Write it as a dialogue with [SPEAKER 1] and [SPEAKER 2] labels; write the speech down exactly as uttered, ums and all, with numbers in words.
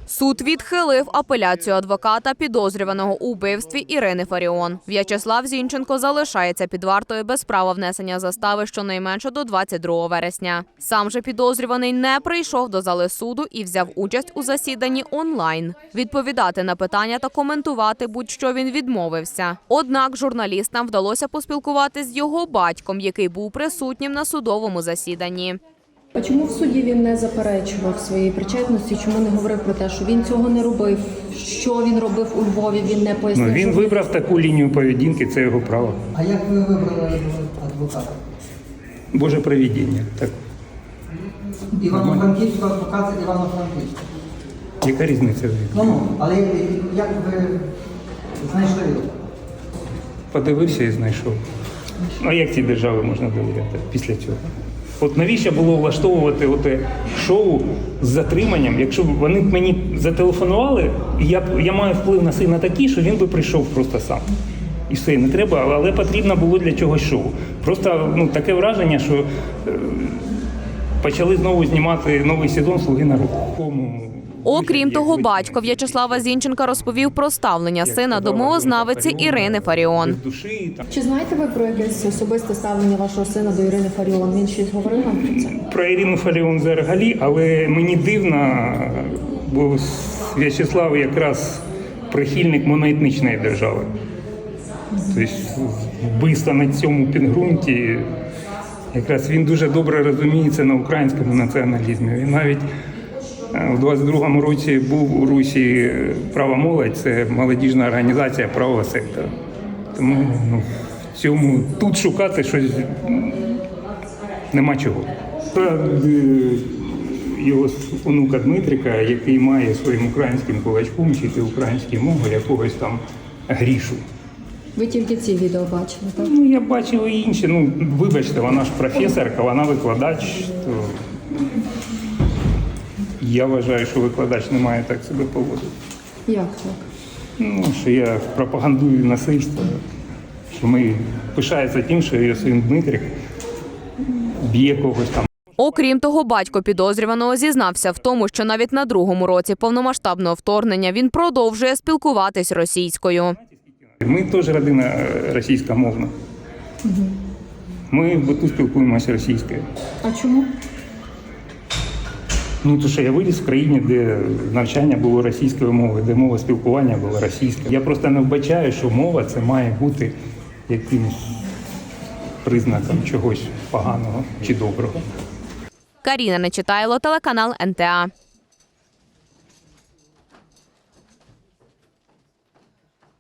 [SPEAKER 1] Суд відхилив апеляцію адвоката підозрюваного у вбивстві Ірини Фаріон. В'ячеслав Зінченко залишається під вартою без права внесення застави щонайменше до двадцять другого вересня. Сам же підозрюваний не прийшов до зали суду і взяв участь у засіданні онлайн. Відповідати на питання та коментувати будь-що він відмовився. Однак журналістам вдалося поспілкуватися з його батьком, який був присутнім на судовому засіданні.
[SPEAKER 2] А чому в суді він не заперечував своєї причетності? Чому не говорив про те, що він цього не робив? Що він робив у Львові? Він не пояснив.
[SPEAKER 3] Ну, він вибрав таку лінію поведінки, це його право.
[SPEAKER 4] А як ви вибрали адвоката?
[SPEAKER 3] Боже провидіння. Так.
[SPEAKER 4] Івано-Франківського адвоката Івано-Франківського.
[SPEAKER 3] Яка різниця?
[SPEAKER 4] Ну, ну, але як ви знайшли його?
[SPEAKER 3] Подивився і знайшов. А як цій державі можна довіряти після цього? От навіщо було влаштовувати оте шоу з затриманням, якщо б вони мені зателефонували, і я, я маю вплив на сина такий, що він би прийшов просто сам. І все, не треба, але потрібно було для чогось шоу. Просто ну, таке враження, що е, почали знову знімати новий сезон «Слуги народу».
[SPEAKER 1] Окрім того, батько В'ячеслава Зінченка розповів про ставлення сина до мовознавиці Ірини Фаріон.
[SPEAKER 2] Чи знаєте ви про якесь особисте ставлення вашого сина до Ірини Фаріон? Він щось говорив вам про це?
[SPEAKER 3] Про Ірину Фаріон взагалі, але мені дивно, бо В'ячеслав якраз прихильник моноетнічної держави. Тобто вбивство на цьому підґрунті, якраз він дуже добре розуміється на українському націоналізмі. Він навіть у двадцять другому році був у Русі «Права молодь», це молодіжна організація правого сектора. Тому ну, в цьому тут шукати щось нема чого. Та, його онука Дмитрика, який має своїм українським кулачком вчити українську мову якогось там Грішу.
[SPEAKER 2] Ви тільки ці відео бачили, так?
[SPEAKER 3] Ну, я бачив і інші. Ну, вибачте, вона ж професорка, вона викладач. То... Я вважаю, що викладач не має так себе поводити.
[SPEAKER 2] Як так?
[SPEAKER 3] Ну, що я пропагандую насильство, що ми пишається тим, що його син Дмитрик б'є когось там.
[SPEAKER 1] Окрім того, батько підозрюваного зізнався в тому, що навіть на другому році повномасштабного вторгнення він продовжує спілкуватись російською.
[SPEAKER 3] Ми теж родина російськомовна. Ми тут спілкуємося російською.
[SPEAKER 2] А чому?
[SPEAKER 3] Ну, то що я виріс в країні, де навчання було російською мовою, де мова спілкування була російською. Я просто не вбачаю, що мова це має бути якимось признаком чогось поганого чи доброго.
[SPEAKER 1] Каріна Нечитайло, телеканал ен те а.